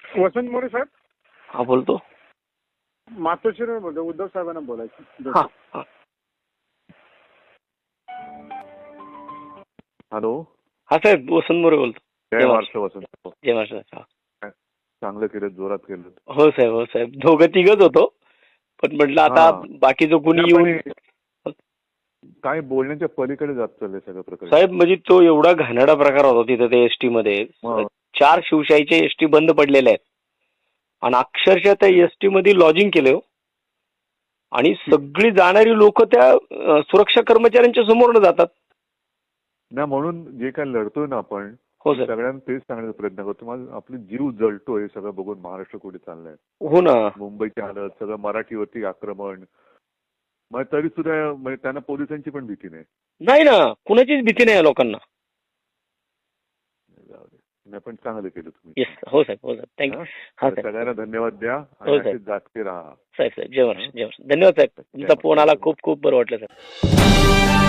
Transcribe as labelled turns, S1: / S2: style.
S1: वसंत मोरे साहेब,
S2: हा बोलतो.
S1: मातोश्रीवर बोलतो. उद्धव साहेबांना बोलायचं.
S2: हा हा.
S3: हॅलो.
S2: हा साहेब वसंत मोरे बोलतो.
S3: जय महाराष्ट्र वसंत.
S2: जय महाराष्ट्र.
S3: चांगलं केलं, जोरात केलं.
S2: हो साहेब, हो साहेब, दोघं तिघच होतो, पण म्हटलं आता बाकीचं कुणी येऊन
S3: काय बोलण्याच्या पलीकडे जात चाललंय सगळं प्रकरण.
S2: साहेब म्हणजे तो एवढा घाणेरडा प्रकार होता तिथे ते एसटी मध्ये. 4 शिवशाहीचे एसटी बंद पडलेले आहेत आणि अक्षरशः त्या एसटी मध्ये लॉजिंग केलं आणि सगळी जाणारी लोक त्या सुरक्षा कर्मचाऱ्यांच्या समोर जातात
S3: ना. म्हणून जे काय लढतोय ना आपण,
S2: हो सर,
S3: सगळ्यांना तेच सांगण्याचा प्रयत्न करतो. माझा आपली जीव जळतोय सगळं बघून. महाराष्ट्र कुठे चाललंय.
S2: हो ना.
S3: मुंबईची हालत, सगळं मराठीवरती आक्रमण. मग तरी सुद्धा म्हणजे त्यांना पोलिसांची पण भीती नाही.
S2: नाही ना, कुणाचीच भीती नाही या लोकांना.
S3: नाही पण चांगलं केलं तुम्ही.
S2: येस. हो साहेब, हो साहेब, थँक्यू. हा साहेब,
S3: सगळ्यांना धन्यवाद द्या
S2: हो
S3: आणि
S2: साहेब.
S3: असेच जागते राहा.
S2: साहेब साहेब, जय महाराष्ट्र, जय महाराष्ट्र. धन्यवाद साहेब, तुमचा फोन आला, खूप खूप बरं वाटलं साहेब.